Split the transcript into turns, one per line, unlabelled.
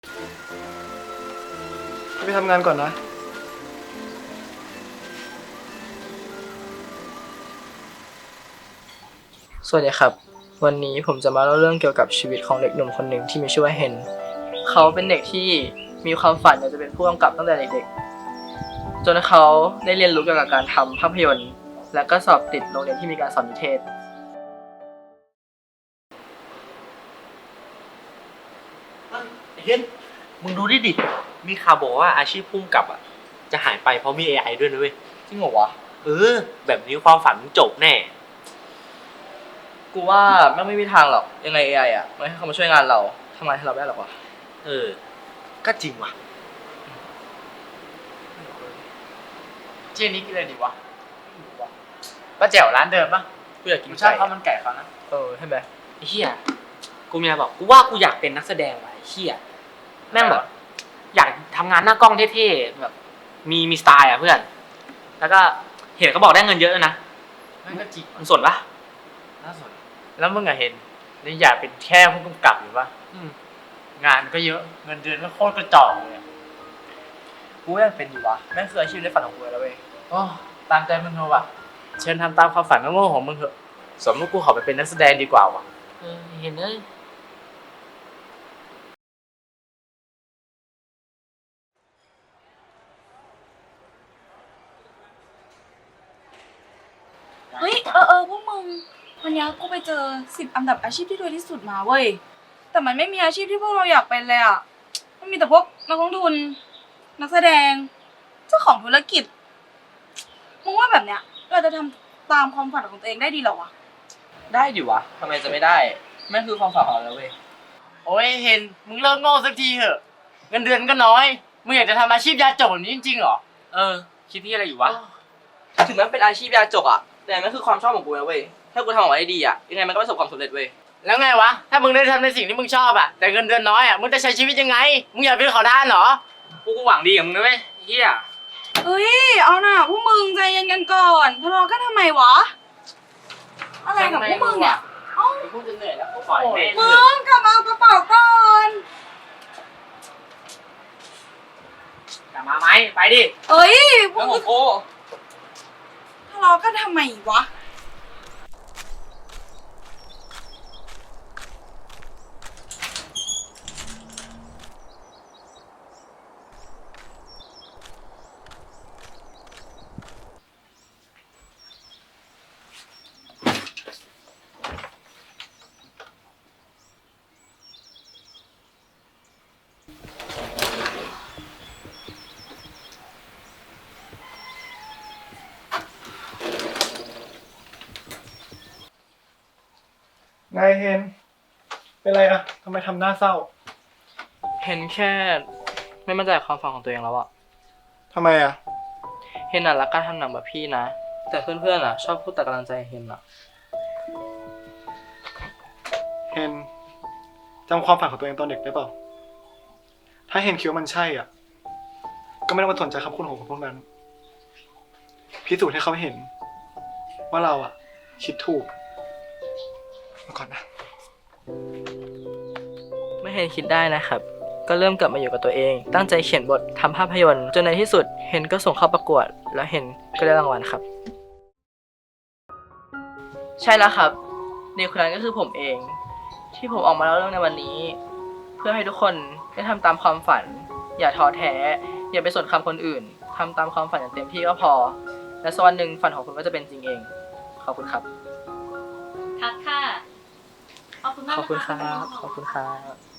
ไปทำงานก่อนนะ
สวัสดีครับวันนี้ผมจะมาเล่าเรื่องเกี่ยวกับชีวิตของเด็กหนุ่มคนหนึ่งที่มีชื่อว่าเฮนเขาเป็นเด็กที่มีความฝันอยากจะเป็นผู้กำกับตั้งแต่เด็กๆจนเขาได้เรียนรู้เกี่ยวกับการทำภาพยนตร์และก็สอบติดโรงเรียนที่มีการสอนนิเทศ
เฮ้ยมึงดูดิมีข่าวบอกว่าอาชีพพุ่มกับจะหายไปเพราะมี AI ด้วยนะเว้ย
จริงเหรอวะ
แบบนี้ความฝันมึงจบแน่
กูว่าไม่มีทางหรอกยังไง AI ไม่ให้เขามาช่วยงานเราทำงานให้เราได้หรอกวะ
ก็จริงว่ะ
เจนี่กินอะไรดีวะป้าแจ๋วร้านเดิมปะ
กูอยากกิน
ชอบ
ไก่
ข้าวมันไก่เขานะ
ใช่ไหม
ไอ้เหี้ยกูมีอะไรบอกกูว่ากูอยากเป็นนักแสดงว่ะไอ้เหี้ยแม่งแบบอยากทำงานหน้ากล้องเท่ๆแบบมีสไตล์เพื่อนแล้วก็เห็นเขาบอกได้เงินเยอะนะ
นั่นก็จริง
มึงสนปะ
น่าสนแล้วมึงอะเห็นนี่อยากเป็นแค่ผู้กำกับหรือปะงานก็เยอะเงินเดือนก็โคตรกระจอกเลย
กูอยากเป็นอยู่วะแม่งคืออาชีพในฝันของกูแล้วเว้ย
โอ้ตามใจมึงเถอะวะเชิญทำตามความฝันโง่ๆของมึงเถอะสมมติกูขอไปเป็นนักแสดงดีกว่าวะ
เห็นเลย
เฮ้ยพวกมึงวันนี้กูไปเจอ10 อันดับอาชีพที่รวยที่สุดมาเว้ยแต่มันไม่มีอาชีพที่พวกเราอยากเป็นเลยอ่ะมันมีแต่พวกนักลงทุนนักแสดงเจ้าของธุรกิจมึงว่าแบบเนี้ยเราจะทำตามความฝันของตัวเองได้ดีเหรอวะ
ได้ดิวะทำไมจะไม่ได้แม่งคือความฝันของเราแล้วเว้ย
โอ้ยเห็นมึงเลิกโง่สักทีเถอะเงินเดือนก็น้อยมึงอยากจะทำอาชีพยาจกแบบนี้จริงๆเหรอ
คิดที่อะไรอยู่วะ
ถึงแม้เป็นอาชีพยาจกแต่มันคือความชอบของกูนะเว้ยถ้ากูทำออกมาได้ดียังไงมันก็ประสบความสำเร็จเว้ย
แล้วไงวะถ้ามึงได้ทำในสิ่งที่มึงชอบแต่เงินเดือนน้อยมึงจะใช้ชีวิตยังไงมึงอยากเป็นขอทานเหรอ
กูหวังดีกับมึงนะเว้ยเฮีย
เฮ้ยเอาหน่าพวกมึงใจเย็นกันก่อนทะเลาะกันทำไมวะอะไรกับพวกมึงเนี่ย
กูจะเหนื่อยแล้วกูป
ล่อย
มึงกลับมาเอากระเป๋าก่อน
กลับมาไหมไปดิ
เอ้ยพว
แล้
ก
ว
มึ
ของ งกู
ทะเลาะกันทำไมวะ
ไงเฮนเป็นไรทำไมทำหน้าเศร้า
เห็นแค่ไม่มั่นใจความฝันของตัวเองแล้ว
ทำไม
เห็นรักการทำหนังแบบพี่นะแต่เพื่อนๆชอบพูดแต่กำลังใจเห็น
เฮนจำความฝันของตัวเองตอนเด็กได้เปล่าถ้าเฮนคิดว่ามันใช่ก็ไม่ต้องมาสนใจคำพูดของคนพวกนั้นพิสูจน์ให้เขาเห็นว่าเราคิดถูกมาก่อนนะ
ไม่เห็นคิดได้นะครับก็เริ่มกลับมาอยู่กับตัวเองตั้งใจเขียนบททำภาพยนตร์จนในที่สุดเห็นก็ส่งเข้าประกวดแล้วเห็นก็ได้รางวัลครับใช่แล้วครับเด็กคนนั้นก็คือผมเองที่ผมออกมาเล่าเรื่องในวันนี้เพื่อให้ทุกคนได้ทำตามความฝันอย่าท้อแท้อย่าไปสนคำคนอื่นทำตามความฝันอย่างเต็มที่ก็พอและสักวันหนึ่งฝันของคุณก็จะเป็นจริงเองขอบคุณครับ
คัดค่ะขอบคุณมาก
ขอบคุณครับขอบคุณครับ